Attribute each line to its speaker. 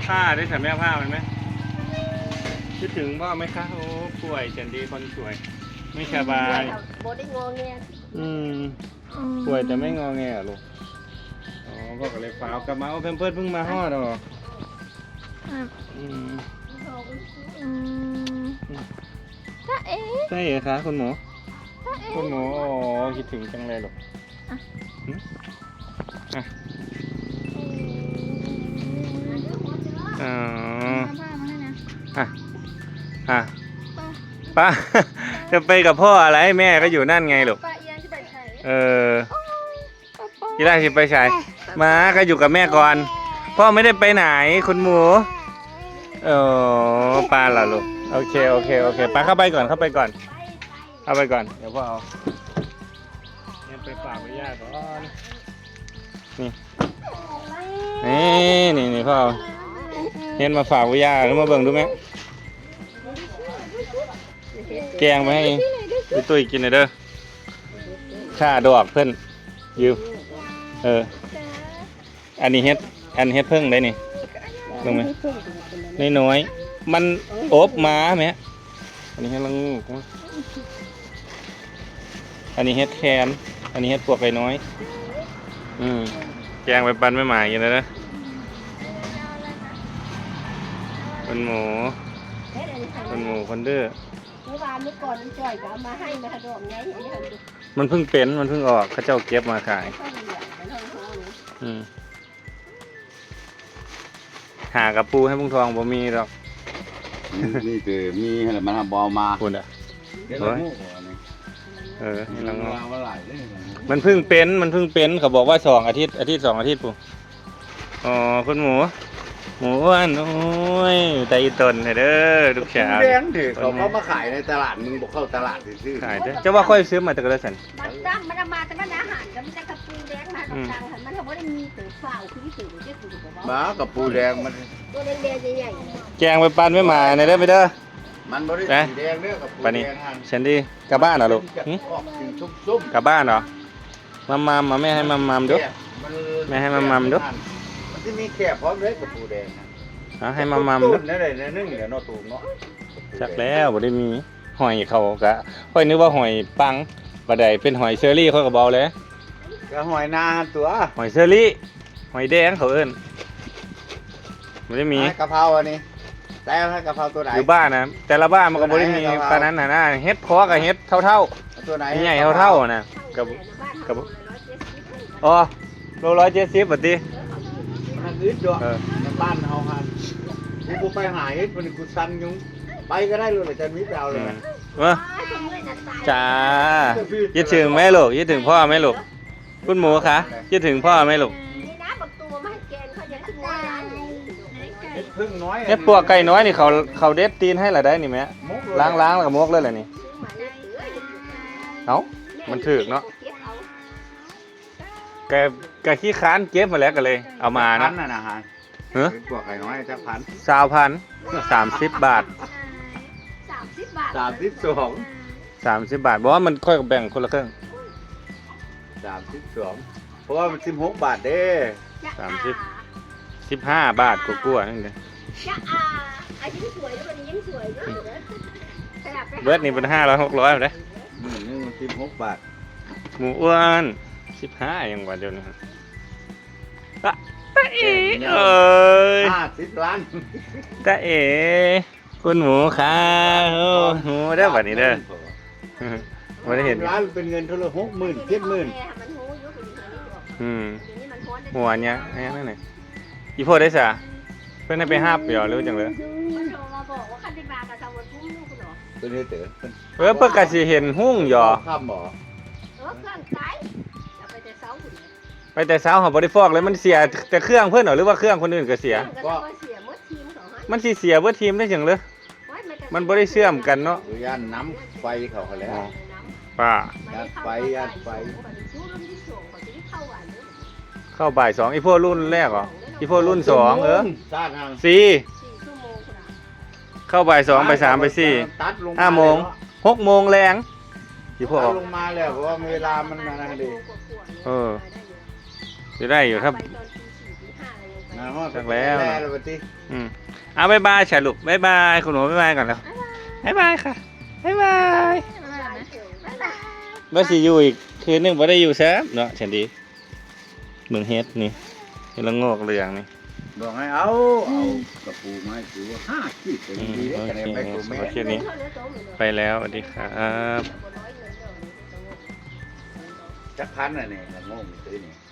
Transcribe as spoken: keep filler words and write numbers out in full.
Speaker 1: ผ้าได้ใส่แม่ผ้ามันไหมคิดถึงพ่อไหมคะโอ้ป่วยจันดีคนสวยไม่สบาย
Speaker 2: โบได้งอแง
Speaker 1: อืมป่วยแต่ไม่งอแงลูกอ๋อพ่อก็เลยฝากกลับมาเอาเพิ่มเพิ่มเพิ่งมาห่อดอกอืม
Speaker 3: จ้าเอ๋
Speaker 1: ใช่เหรอคะคุณหมอคุณหมออ๋อคิดถึงจังเลยลูกอ่ะอ๋ออ่ะอ่ะป้าจะไปกับพ่ออะไรแม่ก็อยู่นั่นไงลูกเออที่ได้ที่ไปใช้มาก็อยู่กับแม่ก่อนพ่อไม่ได้ไปไหนคุณหมูเออปลาเหรอลูกโอเคโอเคโอเคปลาเข้าไปก่อนเข้าไปก่อนเข้าไปก่อนเดี๋ยวพ่อเอาเนี่ยไปฝากไว้ย่าก่อนนี่นี่นี่นี่พ่อเห็นมาฝากไว้ย่าแล้วมาเบิ่งดูไหมแกงไปให้พี่ตุ้ยกินหน่อยเด้อข้าดอกเพิ่นยืมเอออันนี้เฮ็ดอันเฮ็ดเพิ่งได้นี่ลงไหมน้อยน้อยมันอบมาไหมอันนี้เฮ็ดละงูอันนี้เฮ็ดแคนอันนี้เฮ็ดพวกไก่น้อยอืมแกงไปปันไม่หมายกินเลยนะคนหมูคนหมูคนดื้อ
Speaker 2: เมื่อวานเมื่อก่อนจ่อยก็เอามาให้มาดอกไง
Speaker 1: มันเพิ่งเป็นมันเพิ่งออกเขาเจ้าเก็บมาขายอืมหากระปูให้พุงทองบ่มีหรอก
Speaker 4: นี่คือมีอะไรมันทำบอลมา
Speaker 1: คุณอ่ะเออนี่ลังงอมันเพิ่งเป็นมันเพิ่งเป็นเขาบอกว่าสองอาทิตย์อาทิตย์สองอาทิตย์ปุ๊อ๋อคุณหมูหมูอ้วนโอ้ยใจตนเด้อลูกสาว
Speaker 4: แดงถือเขาเขามาขายในตลาดมึงบอกเข้าตลาดซื้อ
Speaker 1: ขายเด้อจะว่าค่อยซื้อมาจากกระสัน
Speaker 2: มันตั้งมันมาแต่มันอาหารมันจะกระปูแดงมาตรงกลางมันทำว่าได้มีตัวเปล่าคือที่ตัวเจ้าตัวบอกว่า
Speaker 4: บ้ากับปูแดงมัน
Speaker 2: ตัวแดงแดงใหญ่
Speaker 1: แกงไปปันไม่มาในเด้อไปเด้อ
Speaker 4: มันบริสุทธิ์แดงเด้อกับปูแดงหัน
Speaker 1: ฉันดีกลับบ้านเหรอลูก
Speaker 4: ซุ่ม
Speaker 1: กลับบ้านเหรอมัมมัมมาแม่ให้มัมมัมดูแม่ให้มัมมัมดู
Speaker 4: มันจะมีแคบพร้อมเลยกับปูแดง
Speaker 1: ฮะให้มัมมัมดู
Speaker 4: นั่นเลยนึ่งเดี๋ยวนอตูเนาะ
Speaker 1: ชักแล้วบ่ได้มีหอยเขากะค่อยนึกว่าหอยปังบ่ได้เป็นหอยเชอรี่เขาก็เบาเลย
Speaker 4: ก็หอยนาตัว
Speaker 1: หอยเชอรี่หอยแดงเขาเอิ้นบ่ได้มี
Speaker 4: กะเพราอันนี้แต่ให้กะเพราตัวไหน
Speaker 1: อยู่บ้านนะแต่ละบ้านมันก็บ่ได้มีปานนั้นน่ะนะเฮ็ดพอกับเฮ็ดเท่า
Speaker 4: ๆตัวไหน
Speaker 1: ใหญ่เท่าๆน่ะกับกับอ๋อโลร้อยเจ็ดสิบบัดนี้
Speaker 4: มันอึดด้วยในบ้านเฮาหันกูไปหาเฮ็ดมันกูสั่นยุงไปก็ได้เลยจะมีไปเอาเลย
Speaker 1: ว่าจ้าคิดถึงไหมลูกคิดถึงพ่อไหมลูกคุณหมูคะคิดถึงพ่อไหมลูก
Speaker 4: เฮ็ดพึ่งน้อย
Speaker 1: เฮ็ดปวกไก่น้อยนี่เขาเขาเด็ดตีนให้ละได้นี่แม่ล้างล้างแล้วก็มกเลยแหละนี่เอ้ามันถึกเนาะแกแกขี้ค้านเก็บมาแล้วก็เลยเอามานะ
Speaker 4: นะฮะ
Speaker 1: เฮ้ย
Speaker 4: ปวกไก่น้อยจะพัน
Speaker 1: สาวพันสามสิบบาท
Speaker 2: สามสิบบาท
Speaker 4: สามสิบสอง
Speaker 1: สามสิบบาทบอกว่ามันค่อยแบ่งคนละครึ่ง
Speaker 4: สามสิบสองเพราะว่ามันสิบหกบาทเด้
Speaker 1: สามสิบสิบห้าบาทกลัวๆนั่นเลยเบิร์ดนี่เป็นห้าร้อยหกร้อยเลย
Speaker 4: หนึ่งนี่มันสิบหกบาท
Speaker 1: หมูอ้วนสิบห้าอย่างกว่าเดียวนี่ครับตาเอ๋เอ้ย
Speaker 4: ห้าสิบล้าน
Speaker 1: ตาเอ๋คุณหมูค่ะโอ้หมูได้แบบนี้เด้อไม่ได้เห็น
Speaker 4: ร้านเป็นเงินเท่าไหร่หกหมื่นเจ็ดหมื่น
Speaker 1: อืมหัวเนี้ยนั่นไงอีโพได้สะเพื่อนให้ไปห้าเปียวหรือจังเลย
Speaker 4: ตัวนี้เต๋อ
Speaker 1: เออเพื่อกระสีเห็นหุ้งหยอ
Speaker 4: ข้ามบ่อ
Speaker 1: ไปแต่เช้าหอบริฟอกเลยมันเสียแต่เครื่องเพื่อนหรอหรือว่าเครื่องคนอื่นก็เสียมันสีเสียเพื่อทีมได้จังเลยมันบริเชื่อมกันเนาะ
Speaker 4: ย่านน้ำไฟเขาเขาแล้ว
Speaker 1: ป้า
Speaker 4: ย่านไฟย่านไฟ
Speaker 1: เข้าบ่ายสองอีพวกรุ่นแรกเหรออีพวกรุ่นสองเออสี่เข้าบ่ายสองไปสามไปสี่ห้าโมงหกโมงแรงอีพวก
Speaker 4: ลงมาแล้วเพราะว่าเวลามันมาดี
Speaker 1: เออจะได้อยู่ครับ
Speaker 4: นาฮอด
Speaker 1: จักแล้ว
Speaker 4: แล้วบัดนี้
Speaker 1: อืมเอาบ๊ายบายฉลุบบ๊ายบายคุณหนูบ๊ายบายก่อนแล้วบ๊ายบายค่ะบ๊ายบายบ่สิอยู่อีกคืนหนึงบ่ได้อยู่แซ่บเนาะฉันดีเมืองเฮ็ดนี่เฮ็ดละโงกเหลืองนี่
Speaker 4: บอกให้เอาเอากระปูไม้ถือว่าห้าขีดเป็น
Speaker 1: อืม
Speaker 4: ดีได้
Speaker 1: โอ
Speaker 4: คะ
Speaker 1: เค
Speaker 4: แนนไปตัวแม่
Speaker 1: โอเคนี้ไปแล้วสวัสดีครับ
Speaker 4: จักพันน่ะเนี่ยละโง่งซื้อนี่